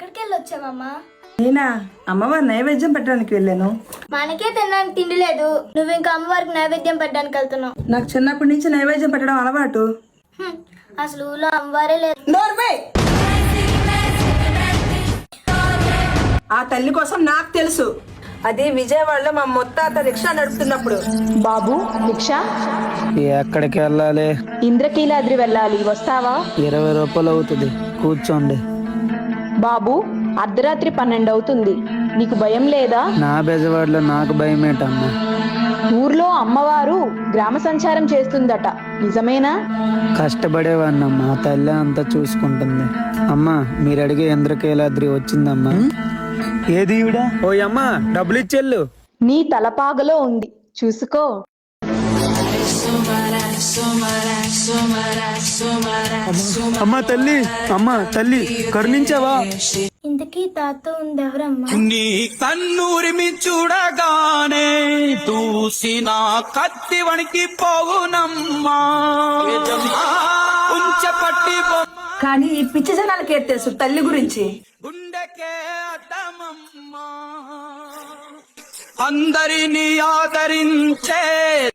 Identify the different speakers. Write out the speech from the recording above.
Speaker 1: ఎక్కడికి వెళ్ళొచ్చావమ్మా?
Speaker 2: నేనా అమ్మవారి నైవేద్యం పెట్టడానికి వెళ్ళాను.
Speaker 1: మనకే తినడానికి తిండి లేదు, నువ్వు ఇంకా అమ్మవారికి నైవేద్యం పెట్టడానికి వెళ్తున్నావు.
Speaker 2: నాకు చిన్నప్పటి నుంచి నైవేద్యం పెట్టడం అలవాటు.
Speaker 1: అసలు ఊళ్ళో అమ్మవారే లేదు.
Speaker 2: నోర్వే! ఆ తల్లి కోసం నాకు తెలుసు. అది విజయవాడలో మా ముత్తాత రిక్షా నడుపుతున్నప్పుడు.
Speaker 3: బాబు రిక్షా
Speaker 4: ఎక్కడికి వెళ్ళాలి?
Speaker 3: ఇంద్రకీలాద్రి వెళ్ళాలి, వస్తావా?
Speaker 4: 20 రూపాయలు అవుతుంది, కూర్చోండి.
Speaker 3: బాబు అర్ధరాత్రి 12 అవుతుంది, నీకు భయం లేదా?
Speaker 4: నా బెజవాడలో నాకు భయం ఏంటమ్మా?
Speaker 3: ఊర్లో అమ్మవారు గ్రామ సంచారం చేస్తుందట, నిజమేనా?
Speaker 4: కష్టపడేవాడినమ్మా, తల్లి అంతా చూసుకుంటుంది. అమ్మా మీరు అడిగే ఇంద్రకీలాద్రి వచ్చిందమ్మా. ఏది ఈవిడ? ఓ అమ్మా డబ్బులు ఇచ్చెళ్ళు.
Speaker 3: నీ తలపాగలో ఉంది, చూసుకో.
Speaker 4: అమ్మా తల్లి, అమ్మా తల్లి కరుణించావా?
Speaker 1: ఇంతకీ తాత ఉంది ఎవరమ్మా?
Speaker 5: నీ కన్నూరిమి చూడగానే చూసిన కత్తి వణికి పోవునమ్మా. ఉంచపట్టి
Speaker 2: కానీ ఈ పిచ్చి జనాలకే తెలుసు తల్లి గురించి.
Speaker 5: గుండెకే అడ్డమమ్మా, అందరినీ ఆదరించే